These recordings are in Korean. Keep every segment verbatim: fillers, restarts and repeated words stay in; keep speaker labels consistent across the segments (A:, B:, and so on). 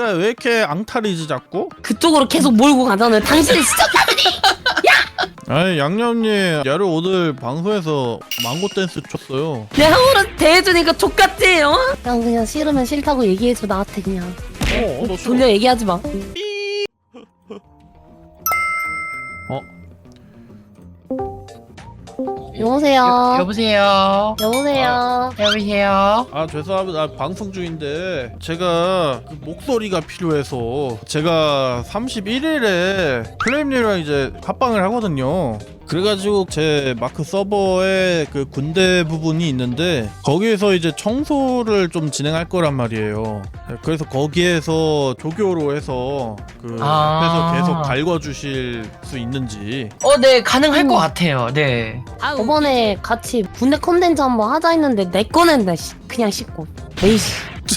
A: 애가 왜 이렇게 앙탈이지 자꾸?
B: 그쪽으로 계속 몰고 가잖아요. 당신이 시청자들이.
A: 아니 양념님 야를 오늘 방송에서 망고 댄스 췄어요.
B: 내 형으로 대해주니까 족같지? 어? 그냥 그냥 싫으면 싫다고 얘기해줘 나한테 그냥.
A: 어, 어, 너 싫어.
B: 돌려 얘기하지 마.
A: 어?
B: 여보세요.
C: 여, 여보세요.
B: 여보세요.
C: 여보세요.
A: 아 죄송합니다. 아, 방송 중인데 제가 그 목소리가 필요해서 제가 삼십일 일에 플레임님이랑 이제 합방을 하거든요. 그래가지고 제 마크 서버에 그 군대 부분이 있는데 거기에서 이제 청소를 좀 진행할 거란 말이에요. 그래서 거기에서 조교로 해서 그
C: 아.
A: 앞에서 계속 갈궈주실 수 있는지.
C: 어, 네, 가능할
B: 음.
C: 것 같아요. 네.
B: 저번에 같이 군대 컨텐츠 한번 하자 했는데 내 꺼낸다 씨. 그냥 씻고 에이씨.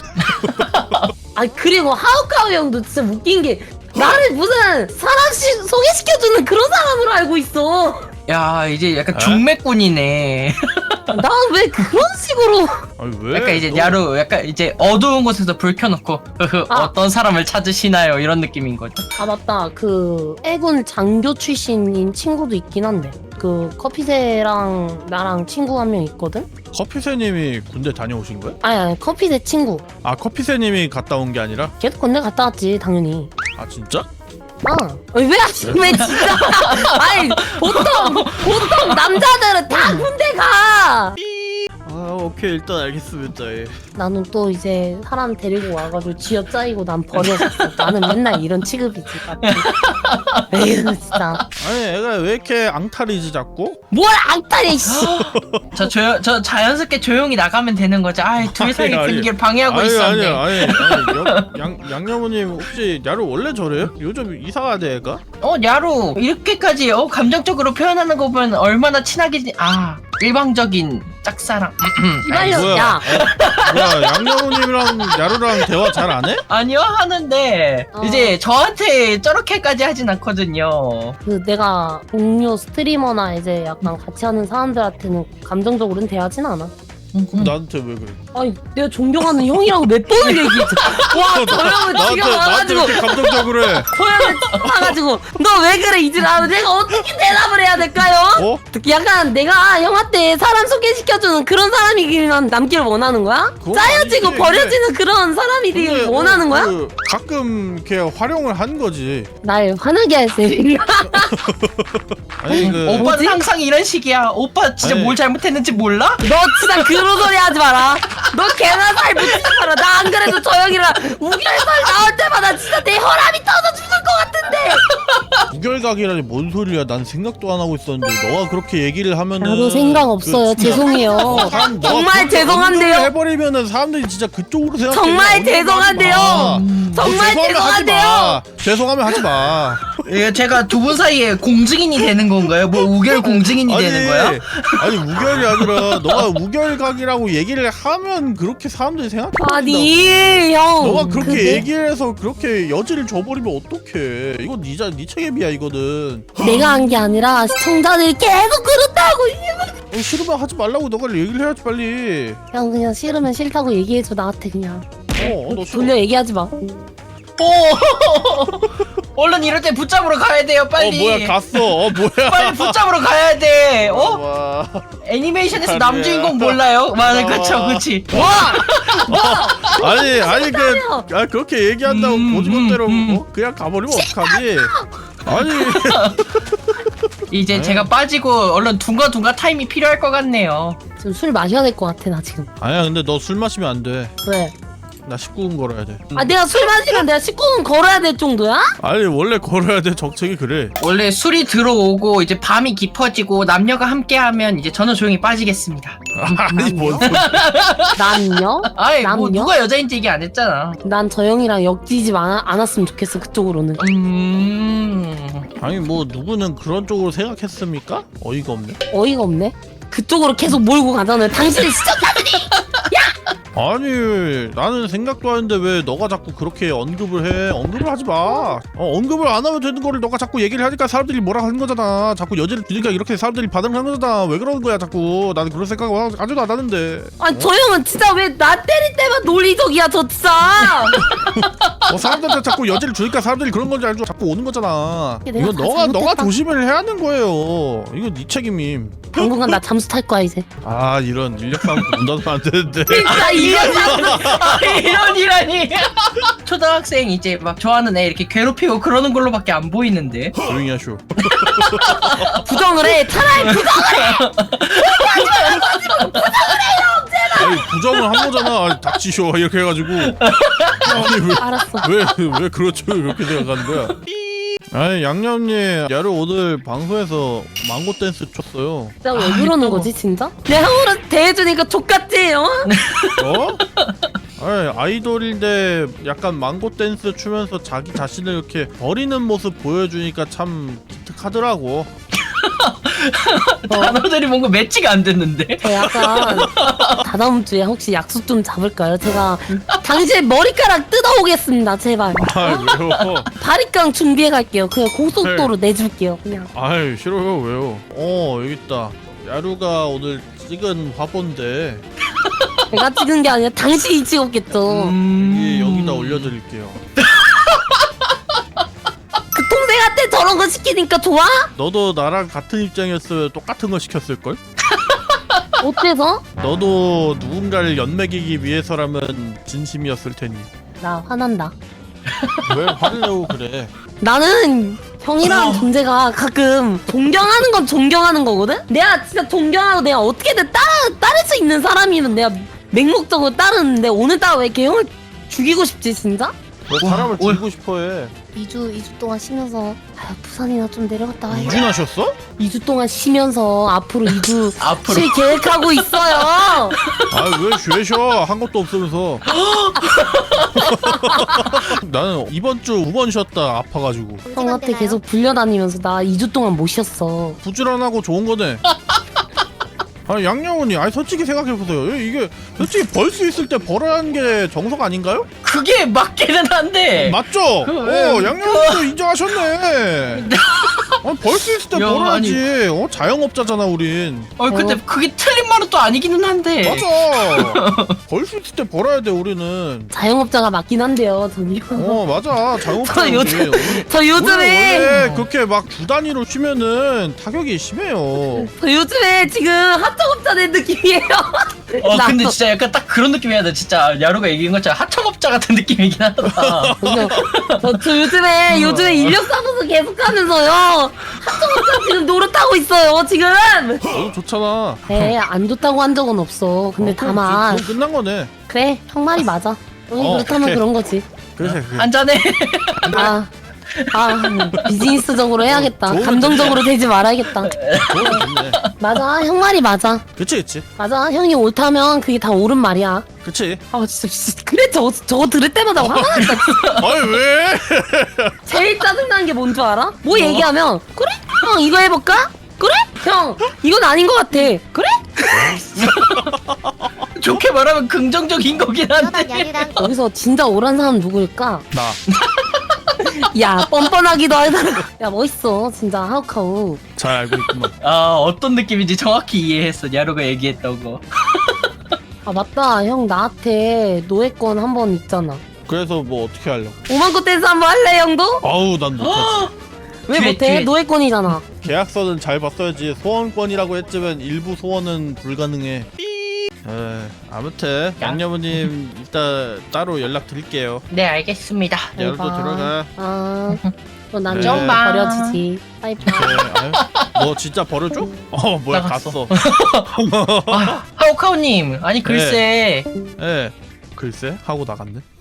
B: 아 그리고 하우카우 형도 진짜 웃긴 게 나를 무슨 사람 시, 소개시켜주는 그런 사람으로 알고 있어.
C: 야, 이제 약간
A: 에?
C: 중매꾼이네.
B: 난 왜 그런 식으로.
A: 아니 왜?
C: 약간 이제
A: 너-
C: 야루, 약간 이제 어두운 곳에서 불 켜놓고 흐흐,
B: 아.
C: 어떤 사람을 찾으시나요? 이런 느낌인 거죠.
B: 아 맞다 그 해군 장교 출신인 친구도 있긴 한데 그 커피새랑 나랑 친구 한 명 있거든?
A: 커피새님이 군대 다녀오신 거야?
B: 아니 아니 커피새 친구
A: 아 커피새님이 갔다 온 게 아니라?
B: 걔도 군대 갔다 왔지 당연히.
A: 아 진짜?
B: 어. 왜, 왜 진짜. 아니, 보통, 보통 남자들은 다 군대 가!
A: 아 오케이 일단 알겠습니다. 예.
B: 나는 또 이제 사람 데리고 와가지고 쥐어짜이고 난 버려졌어. 나는 맨날 이런 취급이지. 에휴, 진짜.
A: 아니 애가 왜 이렇게 앙탈이지 자꾸?
B: 뭘 앙탈해, 씨!
C: 저 조용, 저 자연스럽게 조용히 나가면 되는 거죠. 아이, 둘 사이
A: 아니, 아니.
C: 분위기를 방해하고
A: 아니
C: 있었네.
A: 아니 아니, 아니 양, 양, 양념우님 혹시 야를 원래 저래요? 요즘 이상하대 애가?
C: 어, 야루, 이렇게까지 어 감정적으로 표현하는 거 보면 얼마나 친하게, 지- 아, 일방적인 짝사랑.
B: 이발려,
A: 뭐야?
B: 야!
A: 어, 뭐야 양념우님이랑 야루랑 대화 잘 안 해?
C: 아니요, 하는데,
B: 어.
C: 이제 저한테 저렇게까지 하진 않거든요.
B: 그 내가 동료 스트리머나 이제 약간 같이 하는 사람들한테는 감정적으로는 대하진 않아.
A: 나한테 왜 그래?
B: 아니, 내가 존경하는 형이라고 몇 번을 얘기했지. 와, 저 형을
A: 나한테
B: 지금
A: 나한테
B: 와가지고.
A: 이렇게 감정적으로 해?
B: 소연을 타가지고 너 왜 그래 이지라면 내가 어떻게 대답을 해야 될까요?
A: 어?
B: 약간 내가 형한테 사람 소개시켜주는 그런 사람이기만 남길 원하는 거야?
A: 그건
B: 짜여지고
A: 아니지.
B: 버려지는 그런 사람이길
A: 근데
B: 원하는
A: 뭐,
B: 거야?
A: 그 가끔 이렇게 활용을 한 거지.
B: 날 화나게 할 셈인가?
A: 아니 그
C: 오빠는
B: 뭐지?
C: 항상 이런 식이야. 오빠 진짜
A: 아니.
C: 뭘 잘못했는지 몰라?
B: 너 진짜 그런 소리 하지 마라. 너 개나 살 묻히지 마라. 나 안 그래도 저 형이랑 우결살 나올 때마다 진짜 내 혈압이 터져 죽을 것 같은데.
A: 무결각이라니 뭔 소리야? 난 생각도 안 하고 있었는데 너가 그렇게 얘기를 하면은
B: 나도 생각 없어요.
A: 그 진짜-
B: 죄송해요.
A: 사람- 너가
B: 정말
A: 그렇게
B: 죄송한데요.
A: 언급을 해버리면은 사람들이 진짜 그쪽으로 생각해.
B: 정말
A: 언급을
B: 죄송한데요.
A: 하지 마.
B: 정말
A: 뭐 죄송하면 하지
B: 죄송한데요.
A: 마. 죄송하면 하지 마.
C: 예, 제가 두 분 사이에 공증인이 되는 건가요? 뭐 우결 공증인이 되는 거야?
A: 아니 우결이 아니라 너가 우결각이라고 얘기를 하면 그렇게 사람들이 생각해.
B: 아니 형.
A: 너가 그렇게
B: 그게-
A: 얘기를 해서 그렇게 여지를 줘버리면 어떡해. 이건 니자 니 책임이야 이거는.
B: 내가 한 게 아니라 시청자들이 계속 그렇다고.
A: 어, 싫으면 하지 말라고 너가 얘기를 해야지 빨리.
B: 형 그냥 싫으면 싫다고 얘기해줘 나한테 그냥.
A: 어, 어, 너 싫어.
B: 돌려 얘기하지 마.
C: 오! 얼른 이럴 때 붙잡으러 가야 돼요, 빨리.
A: 어 뭐야 갔어. 어 뭐야.
C: 빨리 붙잡으러 가야 돼. 어?
A: 와.
C: 애니메이션에서
A: 아니야.
C: 남주인공 몰라요? 맞아,
A: 어.
C: 그쵸, 그치.
B: 와.
A: 아니 아니 그
B: 소리야.
A: 아, 그렇게 얘기한다고
C: 음,
A: 고지못대로
C: 음, 음.
A: 어? 그냥 가버리면 어떡하지? 아니
C: 이제
A: 네.
C: 제가 빠지고 얼른 둥가둥가 타임이 필요할 것 같네요.
B: 지금 술 마셔야 될 것 같아 나 지금.
A: 아니야 근데 너 술 마시면 안 돼.
B: 왜?
A: 나 십구 분 걸어야 돼.
B: 아 내가 술 마시면 내가 십구 분 걸어야 될 정도야?
A: 아니 원래 걸어야 돼. 정책이 그래.
C: 원래 술이 들어오고 이제 밤이 깊어지고 남녀가 함께하면 이제 저는 조용히 빠지겠습니다.
A: 아니 뭔 소리.
B: 난요?
C: 아이 뭐
B: 남녀?
C: 누가 여자인지 얘기 안 했잖아.
B: 난 저 형이랑 엮이지 마- 않았으면 좋겠어 그쪽으로는.
C: 음...
A: 아니 뭐 누구는 그런 쪽으로 생각했습니까? 어이가 없네.
B: 어이가 없네. 그쪽으로 계속 몰고 가잖아요. 당신이 시청자들이.
A: 아니 나는 생각도 하는데 왜 너가 자꾸 그렇게 언급을 해. 언급을 하지 마. 어, 언급을 안 하면 되는 거를 너가 자꾸 얘기를 하니까 사람들이 뭐라 하는 거잖아. 자꾸 여지를 주니까 이렇게 사람들이 반응을 하는 거잖아. 왜 그러는 거야 자꾸. 나는 그런 생각을 하지도 않았는데.
B: 아니 저 형은 진짜 왜 나 때릴 때만 논리적이야 저 진짜.
A: 어, 사람들한테 자꾸 여지를 주니까 사람들이 그런 건지 알고 자꾸 오는 거잖아.
B: 내가
A: 이거
B: 다
A: 너가 너가
B: 잘못했다.
A: 조심을 해야 하는 거예요. 이거 네 책임임.
B: 당분간 나 잠수 탈 거야 이제.
A: 아 이런 인력 싸움 문 닫으면 안 되는데.
B: 진짜 이런
C: 아, 이런이라니. 초등학생 이제 막 좋아하는 애 이렇게 괴롭히고 그러는 걸로밖에 안 보이는데.
A: 조용히 하쇼.
B: 부정을 해. 차라리 부정.
A: 아니 부정을 한 거잖아. 아니, 닥치쇼 이렇게 해가지고. 아니
B: 알았어.
A: 왜왜 왜 그렇죠 이렇게 생각하는 거야? 아니 양념님 야루 오늘 방송에서 망고 댄스 췄어요.
B: 진짜 왜
C: 아,
B: 그러는
C: 또.
B: 거지 진짜? 내 형으로 대해주니까 족같지 어?
A: 어? 아니, 아이돌인데 약간 망고 댄스 추면서 자기 자신을 이렇게 버리는 모습 보여주니까 참 기특하더라고.
C: 단어들이 뭔가 매치가 안 됐는데.
B: 저 약간 다다음 주에 혹시 약속 좀 잡을까요? 제가 당신의 머리카락 뜯어오겠습니다 제발.
A: 아 왜요?
B: 바리깡 준비해 갈게요. 그냥 고속도로 내줄게요 그냥.
A: 아유 싫어요 왜요? 어 여기 있다. 야루가 오늘 찍은 화보인데
B: 제가 찍은 게 아니라 당신이 찍었겠죠.
C: 음...
A: 이게 여기다 올려드릴게요.
B: 그 동생한테 저런 거 시키니까 좋아?
A: 너도 나랑 같은 입장이었으면 똑같은 거 시켰을걸?
B: 어때서?
A: 너도 누군가를 연맥이기 위해서라면 진심이었을 테니.
B: 나 화난다.
A: 왜 화를 내고 그래?
B: 나는 형이라는
C: 어.
B: 존재가 가끔 존경하는 건 존경하는 거거든? 내가 진짜 존경하고 내가 어떻게든 따라, 따를 수 있는 사람이면 내가 맹목적으로 따르는데 오늘따라 왜 이렇게 형을 죽이고 싶지 진짜?
A: 너 사람을
C: 와,
A: 죽이고 싶어해.
B: 이 주 이 주 동안 쉬면서 아, 부산이나 좀 내려갔다 와야겠다.
A: 이준하셨어?
B: 이 주 동안 쉬면서 앞으로 이 주
C: 앞으로.
B: 쉴 계획하고 있어요.
A: 아왜 쉬어? 한 것도 없으면서. 나는 이번 주 두 번 쉬었다 아파가지고.
B: 형한테 계속 불려다니면서 나 이 주 동안 못 쉬었어.
A: 부지런하고 좋은 거네. 아니 양양훈이 아니 솔직히 생각해보세요. 이게 솔직히 벌 수 있을 때 벌어야 하는 게 정석 아닌가요?
C: 그게 맞기는 한데.
A: 맞죠?
C: 그,
A: 어
C: 그,
A: 양양훈도 인정하셨네. 어, 벌 수 있을 때
C: 야,
A: 벌어야지. 어 자영업자잖아 우린.
C: 어 근데
B: 어.
C: 그게 틀린 말은 또 아니기는 한데.
A: 맞아. 벌 수 있을 때 벌어야 돼 우리는.
B: 자영업자가 맞긴 한데요, 저기요.
A: 어 맞아 자영업자.
B: 저 요즘- 저 요즘에
A: 원래 그렇게 막 주 단위로 쉬면은 타격이 심해요.
B: 저 요즘에 지금 하청업자 된 느낌이에요.
C: 어
B: 나
C: 근데
B: 또-
C: 진짜 약간 딱 그런 느낌이야. 나 진짜 야루가 얘기한 것처럼 하청업자 같은 느낌이긴 하다.
B: 그냥 저, 저 요즘에 요즘에 인력 사무소 계속하면서요 하청업자 지금 노릇하고 있어요 지금.
A: 너도 좋잖아.
B: 에안 좋다고 한 적은 없어. 근데
A: 어, 그럼
B: 다만
A: 그- 그건 끝난 거네.
B: 그래 형 말이 맞아. 형이
A: 어,
B: 그렇다면
A: 오케이.
B: 그런 거지.
A: 그래 그래.
C: 한잔해.
B: 아. 아 비즈니스적으로 해야겠다.
A: 좋은
B: 감정적으로 되지 말아야겠다.
A: 좋네 좋네.
B: 맞아 형 말이 맞아.
A: 그치 그치
B: 맞아 형이 옳다면 그게 다 옳은 말이야.
A: 그치.
B: 아 진짜 씨, 그래 저거 저거 들을 때마다 화가 난다. 진짜.
A: 아니 왜?
B: 제일 짜증나는 게 뭔 줄 알아? 뭐 얘기하면 그래? 형 이거 해볼까? 그래? 형 이건 아닌 것 같아. 그래?
C: 좋게 말하면 긍정적인 거긴 한데.
B: 여기서 진짜 옳은 사람 누구일까?
A: 나.
B: 야 뻔뻔하기도 하잖아. 야 멋있어 진짜 하우카우.
A: 잘 알고 있구만.
C: 아 어떤 느낌인지 정확히 이해했어. 야루가 얘기했던 거.
B: 아 맞다 형 나한테 노예권 한 번 있잖아.
A: 그래서 뭐 어떻게 하려고?
B: 오만코 댄스 한 번 할래 형도?
A: 아우 난 못하지.
B: 왜
C: 뒤에,
B: 못해?
C: 뒤에.
B: 노예권이잖아.
A: 계약서는 잘 봤어야지. 소원권이라고 했지만 일부 소원은 불가능해. 에 아무튼 양념우님 이따 따로 연락 드릴게요.
C: 네 알겠습니다.
A: 야루도
B: 봐.
A: 들어가.
B: 아 그럼 난
A: 네.
B: 좀
C: 봐.
B: 버려지지. 빠이빠이.
A: 네, 아유, 너 진짜 버려줘? 어 뭐야
C: 나갔어.
A: 갔어.
C: 아, 하오카오님 아니 글쎄
A: 예. 글쎄 하고 나갔네.